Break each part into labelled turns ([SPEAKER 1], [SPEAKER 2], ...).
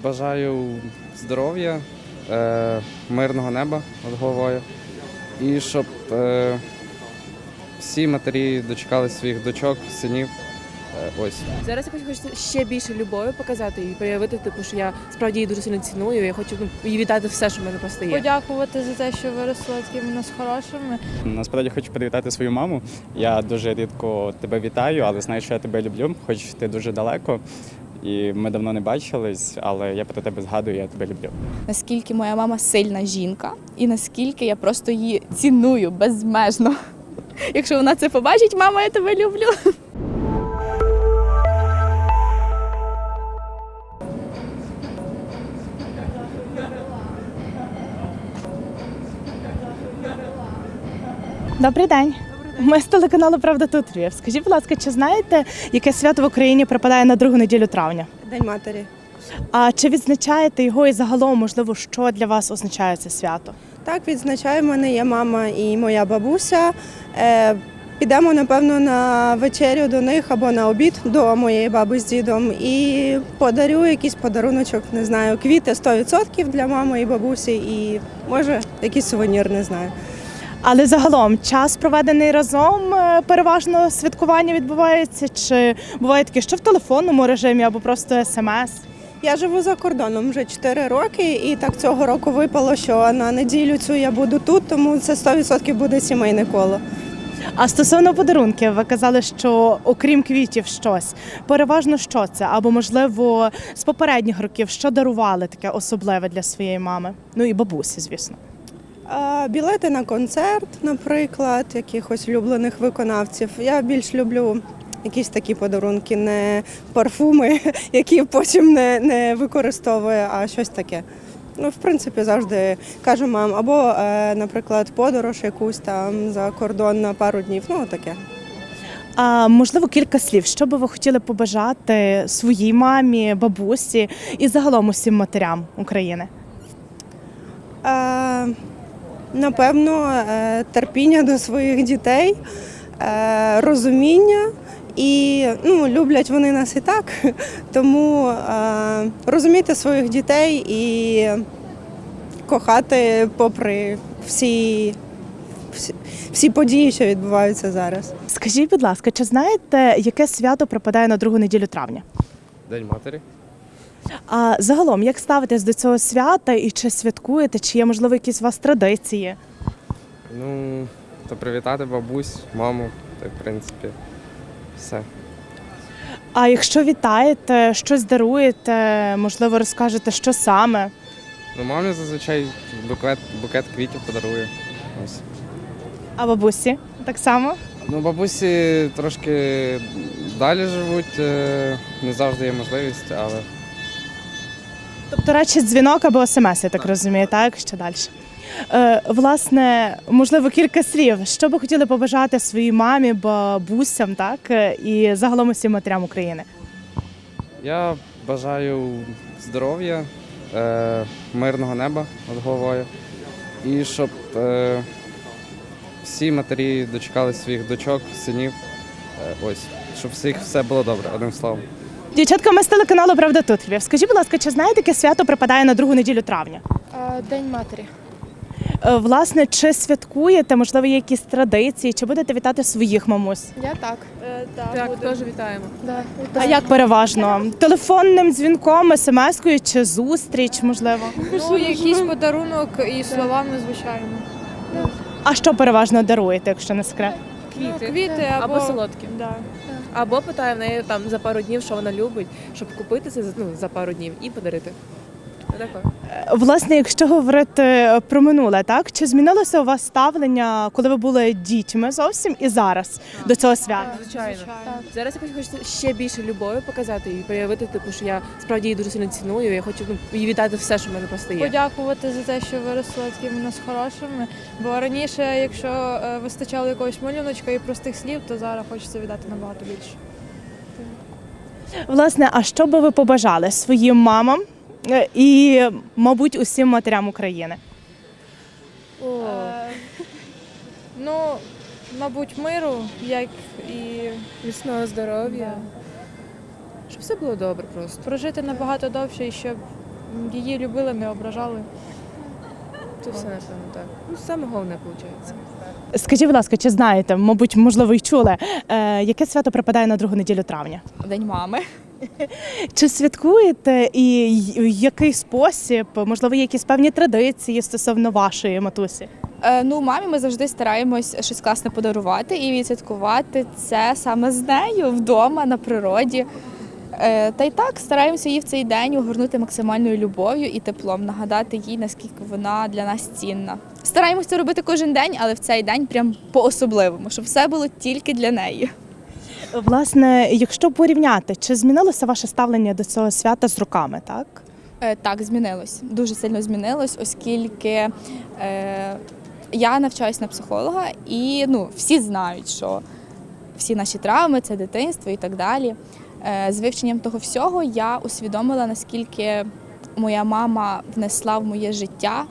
[SPEAKER 1] бажаю здоров'я, мирного неба над головою і щоб всі матері дочекали своїх дочок, синів. Ось.
[SPEAKER 2] Зараз я хочу ще більше любові показати і проявити, що я справді її дуже сильно ціную. Я хочу їй віддати все, що в мене просто є.
[SPEAKER 3] Подякувати за те, що виросла такими нас хорошими.
[SPEAKER 4] Насправді хочу привітати свою маму. Я дуже рідко тебе вітаю, але знаю, що я тебе люблю, хоч ти дуже далеко. І ми давно не бачились, але я про тебе згадую, я тебе люблю.
[SPEAKER 5] Наскільки моя мама сильна жінка і наскільки я просто її ціную безмежно. Якщо вона це побачить, мама, я тебе люблю.
[SPEAKER 6] Добрий день. Ми з телеканалу «Правда тут Львів». Скажіть, будь ласка, чи знаєте, яке свято в Україні припадає на другу неділю травня?
[SPEAKER 7] День матері.
[SPEAKER 6] А чи відзначаєте його і загалом, можливо, що для вас означає це свято?
[SPEAKER 7] Так, відзначаю, в мене є мама і моя бабуся. Підемо, напевно, на вечерю до них або на обід до моєї баби з дідом і подарю якийсь подаруночок, не знаю, квіти 100% для мами і бабусі і, може, якийсь сувенір, не знаю.
[SPEAKER 6] Але загалом час, проведений разом, переважно святкування відбувається? Чи буває таке, що в телефонному режимі або просто смс?
[SPEAKER 7] Я живу за кордоном вже 4 роки і так цього року випало, що на неділю цю я буду тут, тому це 100% буде сімейне коло.
[SPEAKER 6] А стосовно подарунків, ви казали, що окрім квітів щось. Переважно що це? Або, можливо, з попередніх років, що дарували таке особливе для своєї мами? Ну і бабусі, звісно.
[SPEAKER 7] Білети на концерт, наприклад, якихось улюблених виконавців. Я більш люблю якісь такі подарунки, не парфуми, які потім не використовую, а щось таке. Ну, в принципі, завжди кажу мам, або, наприклад, подорож якусь там за кордон на пару днів, ну, таке.
[SPEAKER 6] А можливо, кілька слів, що би ви хотіли побажати своїй мамі, бабусі і загалом усім матерям України?
[SPEAKER 7] Напевно, терпіння до своїх дітей, розуміння і люблять вони нас і так, тому розуміти своїх дітей і кохати попри всі події, що відбуваються зараз.
[SPEAKER 6] Скажіть, будь ласка, чи знаєте, яке свято припадає на другу неділю травня?
[SPEAKER 1] День матері.
[SPEAKER 6] А загалом, як ставитесь до цього свята і чи святкуєте, чи є, можливо, якісь у вас традиції?
[SPEAKER 1] Ну, то привітати бабусь, маму, та в принципі, все.
[SPEAKER 6] А якщо вітаєте, щось даруєте, можливо, розкажете, що саме?
[SPEAKER 1] Ну, мамі зазвичай букет квітів подарую. Ось.
[SPEAKER 6] А бабусі так само?
[SPEAKER 1] Ну, бабусі трошки далі живуть, не завжди є можливість, але
[SPEAKER 6] Тобто, радше дзвінок або смс, я так розумію, так? Ще далі. Власне, можливо, кілька слів. Що би хотіли побажати своїй мамі, бабусям, так? І загалом усім матерям України?
[SPEAKER 1] я бажаю здоров'я, мирного неба над головою і щоб всі матері дочекали своїх дочок, синів. Ось, щоб всіх все було добре, одним словом.
[SPEAKER 6] Дівчатка, ми з телеканалу «Правда тут Львів». Скажіть, будь ласка, чи знаєте, яке свято припадає на другу неділю травня?
[SPEAKER 3] День матері.
[SPEAKER 6] Власне, чи святкуєте, можливо, є якісь традиції, чи будете вітати своїх мамусь?
[SPEAKER 3] Я так.
[SPEAKER 2] Так, теж вітаємо.
[SPEAKER 3] Да.
[SPEAKER 6] А як переважно? Телефонним дзвінком, смс-кою чи зустріч, можливо?
[SPEAKER 3] Ну, якийсь подарунок і словами, звичайно.
[SPEAKER 6] А що переважно даруєте, якщо не секрет?
[SPEAKER 3] Квіти
[SPEAKER 2] Або солодкі.
[SPEAKER 3] Да.
[SPEAKER 2] Або питаю в неї там за пару днів, що вона любить, щоб купити це за пару днів і подарити. Отако.
[SPEAKER 6] Власне, якщо говорити про минуле, так? Чи змінилося у вас ставлення, коли ви були дітьми зовсім і зараз до цього свята?
[SPEAKER 2] Звичайно. Зараз я хочу ще більше любові показати і проявити, що я справді її дуже сильно ціную. Я хочу їй віддати все, що в мене просто є.
[SPEAKER 3] Подякувати за те, що виросла такими нас хорошими. Бо раніше, якщо вистачало якогось малюночка і простих слів, то зараз хочеться віддати набагато більше.
[SPEAKER 6] Власне, а що би ви побажали своїм мамам і, мабуть, усім матерям України?
[SPEAKER 3] Ну, мабуть, миру, як і
[SPEAKER 2] Міцного здоров'я. Щоб все було добре просто.
[SPEAKER 3] прожити набагато довше і щоб її любили, не ображали.
[SPEAKER 2] Це все, напевно, так. Ну, саме головне, виходить.
[SPEAKER 6] Скажіть, будь ласка, чи знаєте, мабуть, можливо, й чули, яке свято припадає на другу неділю травня?
[SPEAKER 5] День мами.
[SPEAKER 6] Чи святкуєте і в який спосіб? Можливо, є якісь певні традиції стосовно вашої матусі?
[SPEAKER 5] Ну, мамі ми завжди стараємось щось класне подарувати і відсвяткувати це саме з нею вдома, на природі. Та й так стараємося її в цей день огорнути максимальною любов'ю і теплом, нагадати їй, наскільки вона для нас цінна. Стараємося це робити кожен день, але в цей день прям по-особливому, щоб все було тільки для неї.
[SPEAKER 6] Власне, якщо порівняти, чи змінилося ваше ставлення до цього свята з роками, так?
[SPEAKER 5] Так, змінилось. Дуже сильно змінилось, оскільки я навчаюсь на психолога і всі знають, що всі наші травми – це дитинство і так далі. З вивченням того всього я усвідомила, наскільки моя мама внесла в моє життя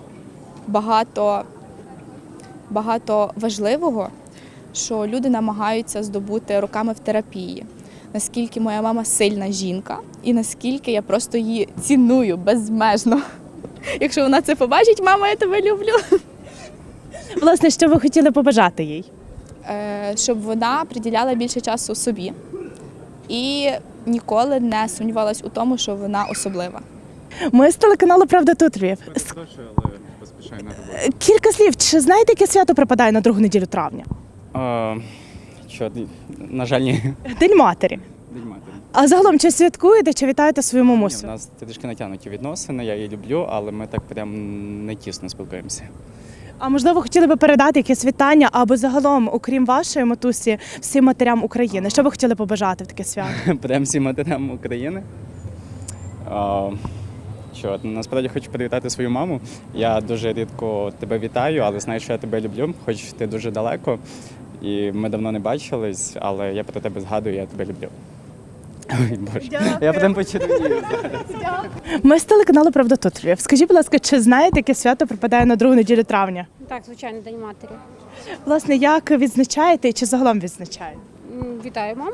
[SPEAKER 5] багато важливого, що люди намагаються здобути роками в терапії. Наскільки моя мама сильна жінка і наскільки я просто її ціную безмежно. Якщо вона це побачить, мама, я тебе люблю.
[SPEAKER 6] Власне, що ви хотіли побажати їй?
[SPEAKER 5] Щоб вона приділяла більше часу собі і ніколи не сумнівалась у тому, що вона особлива.
[SPEAKER 6] Ми з телеканалу «Правда тут Львів».
[SPEAKER 4] Перепрошую, але поспішаю на роботу.
[SPEAKER 6] Кілька слів. Чи знаєте, яке свято припадає на другу неділю травня?
[SPEAKER 4] На жаль, ні.
[SPEAKER 6] День матері.
[SPEAKER 4] День матері.
[SPEAKER 6] А загалом, чи святкуєте, чи вітаєте свою
[SPEAKER 4] Ні,
[SPEAKER 6] мамусю?
[SPEAKER 4] у нас трішки натягнуті відносини, я її люблю, але ми так прям не тісно спілкуємося.
[SPEAKER 6] А можливо, хотіли би передати якесь вітання або загалом, окрім вашої матусі, всім матерям України? Що ви хотіли побажати в таке свято?
[SPEAKER 4] Прям всім матерям України. Насправді хочу привітати свою маму. Я дуже рідко тебе вітаю, але знаю, що я тебе люблю, хоч ти дуже далеко. І ми давно не бачились, але я про тебе згадую, я тебе люблю. Ой, Боже.
[SPEAKER 6] Дякую.
[SPEAKER 4] Я прям почервонію зараз.
[SPEAKER 6] Ми з телеканалу «Правда тут Львів». Скажіть, будь ласка, чи знаєте, яке свято припадає на другу неділю травня?
[SPEAKER 8] Так, звичайно, День матері.
[SPEAKER 6] Власне, як відзначаєте і чи загалом відзначаєте?
[SPEAKER 8] Вітаю маму.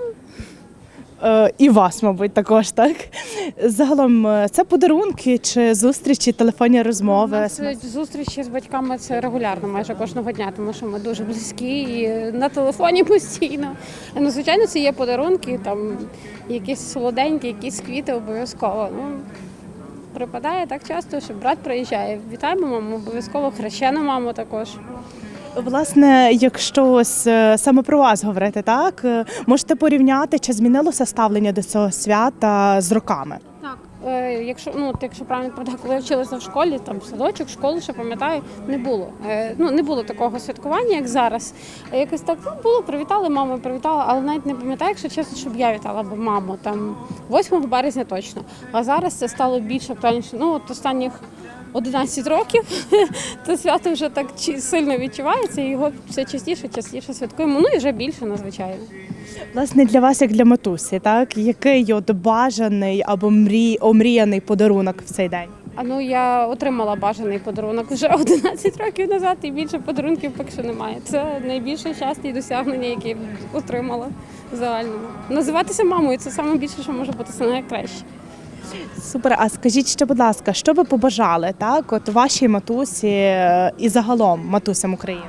[SPEAKER 6] І вас, мабуть, також, так? Загалом, це подарунки чи зустрічі, телефонні
[SPEAKER 8] У
[SPEAKER 6] розмови?
[SPEAKER 8] нас зустрічі з батьками це регулярно, майже кожного дня, тому що ми дуже близькі і на телефоні постійно. Ну, звичайно, це є подарунки, там якісь солоденькі, якісь квіти обов'язково. Припадає так часто, що брат приїжджає. Вітаємо маму, обов'язково хрещену маму також.
[SPEAKER 6] Власне, якщо ось саме про вас говорити, так? Можете порівняти, чи змінилося ставлення до цього свята з роками?
[SPEAKER 8] Так, якщо правильно пам'ятаю, коли я вчилася в школі, там садочок, школу, ще пам'ятаю, не було. Не було такого святкування, як зараз. Якось так було, привітали маму, привітала, але навіть не пам'ятаю, якщо чесно, щоб я вітала б маму там 8 березня точно. А зараз це стало більш актуальніше. От останніх 11 років це свято вже так сильно відчувається, і його все частіше святкуємо. І вже більше, надзвичайно.
[SPEAKER 6] Власне, для вас, як для матусі, так? Який от бажаний або омріяний подарунок в цей день?
[SPEAKER 8] Я отримала бажаний подарунок вже 11 років назад, і більше подарунків поки що немає. Це найбільше щастя і досягнення, які я отримала в загальному. Називатися мамою – це найбільше, що може бути, це найкраще.
[SPEAKER 6] Супер. А скажіть ще, будь ласка, що ви побажали, так, от вашій матусі і загалом матусям України?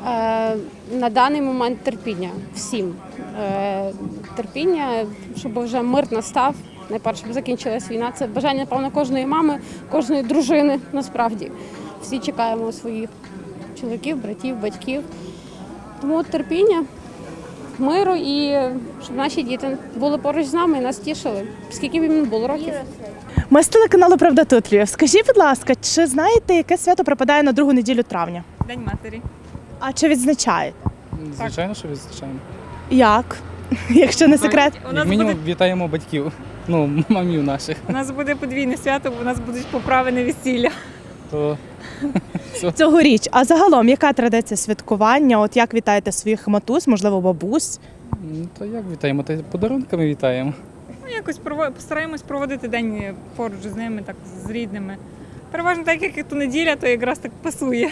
[SPEAKER 8] На даний момент терпіння всім. Терпіння, щоб вже мир настав, найперше, щоб закінчилась війна. Це бажання, напевно, кожної мами, кожної дружини, насправді. Всі чекаємо своїх чоловіків, братів, батьків. Тому терпіння, миру і щоб наші діти були поруч з нами і нас тішили. Скільки б їм було років.
[SPEAKER 6] Ми з телеканалу «Правда тут Львів». Скажіть, будь ласка, чи знаєте, яке свято припадає на другу неділю травня?
[SPEAKER 9] День матері.
[SPEAKER 6] А чи відзначаєте?
[SPEAKER 10] Звичайно, що відзначаємо.
[SPEAKER 6] Як? Якщо не секрет.
[SPEAKER 10] Як мінімум вітаємо батьків, мамів наших.
[SPEAKER 9] У нас буде подвійне свято, бо у нас будуть поправи на весілля.
[SPEAKER 10] То
[SPEAKER 6] Цьогоріч. А загалом, яка традиція святкування? От як вітаєте своїх матусь, можливо, бабусь?
[SPEAKER 10] то як вітаємо? Та подарунками вітаємо.
[SPEAKER 9] Якось постараємось проводити день поруч з ними, так з рідними. Переважно так, як то неділя, то якраз так пасує.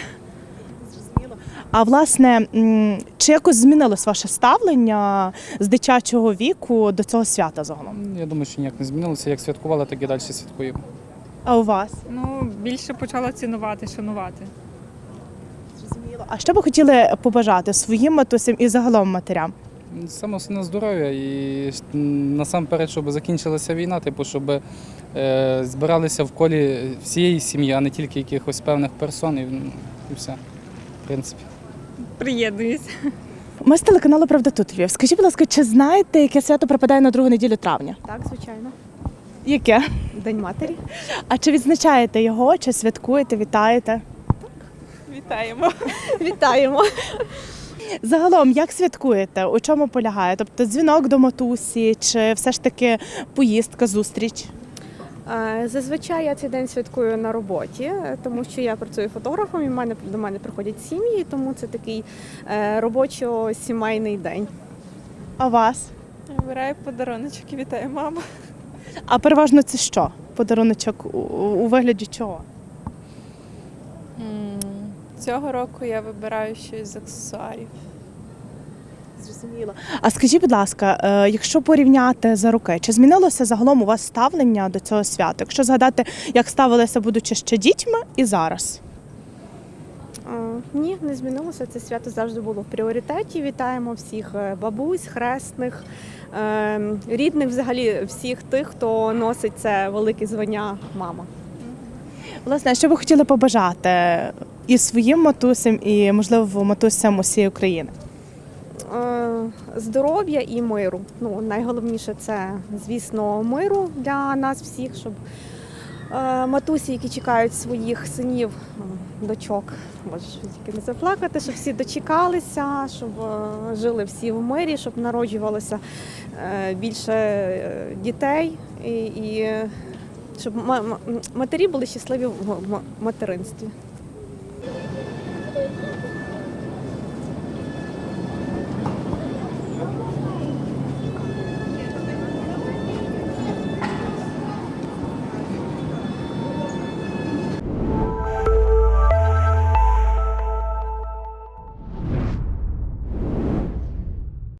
[SPEAKER 6] А власне, чи якось змінилось ваше ставлення з дитячого віку до цього свята загалом?
[SPEAKER 10] Я думаю, що ніяк не змінилося. Як святкували, так і далі святкуємо.
[SPEAKER 6] А у вас?
[SPEAKER 9] Ну, більше почала цінувати, шанувати.
[SPEAKER 6] Зрозуміло. А що би хотіли побажати своїм матусям і загалом матерям?
[SPEAKER 10] Саме основне здоров'я і насамперед, щоб закінчилася війна, типу, щоб збиралися в колі всієї сім'ї, а не тільки якихось певних персон, і все, в принципі.
[SPEAKER 9] Приєднуюсь.
[SPEAKER 6] Ми з телеканалу «Правда тут Львів». Скажіть, будь ласка, чи знаєте, яке свято припадає на другу неділю травня?
[SPEAKER 2] Так, звичайно.
[SPEAKER 6] Яке?
[SPEAKER 2] День матері.
[SPEAKER 6] А чи відзначаєте його, чи святкуєте, вітаєте?
[SPEAKER 2] Вітаємо. Вітаємо.
[SPEAKER 6] Загалом, як святкуєте? У чому полягає? Тобто дзвінок до матусі, чи все ж таки поїздка, зустріч?
[SPEAKER 11] Зазвичай я цей день святкую на роботі, тому що я працюю фотографом і до мене приходять сім'ї, тому це такий робочо-сімейний день.
[SPEAKER 6] А вас?
[SPEAKER 2] Вибираю подаруночок і вітаю маму.
[SPEAKER 6] А переважно це що? Подаруночок у вигляді чого?
[SPEAKER 2] Цього року я вибираю щось з аксесуарів.
[SPEAKER 6] Зрозуміло. А скажіть, будь ласка, якщо порівняти за роки, чи змінилося загалом у вас ставлення до цього свята? Якщо згадати, як ставилися, будучи ще дітьми, і зараз?
[SPEAKER 11] Ні, не змінилося. Це свято завжди було в пріоритеті. Вітаємо всіх бабусь, хресних, рідних, взагалі всіх тих, хто носить це велике звання мама.
[SPEAKER 6] Власне, що ви хотіли побажати і своїм матусям, і, можливо, матусям усієї України?
[SPEAKER 11] Здоров'я і миру. Ну, найголовніше це, звісно, миру для нас всіх, щоб матусі, які чекають своїх синів, дочок, можеш тільки не заплакати, щоб всі дочекалися, щоб жили всі в мирі, щоб народжувалося більше дітей і щоб матері були щасливі в материнстві.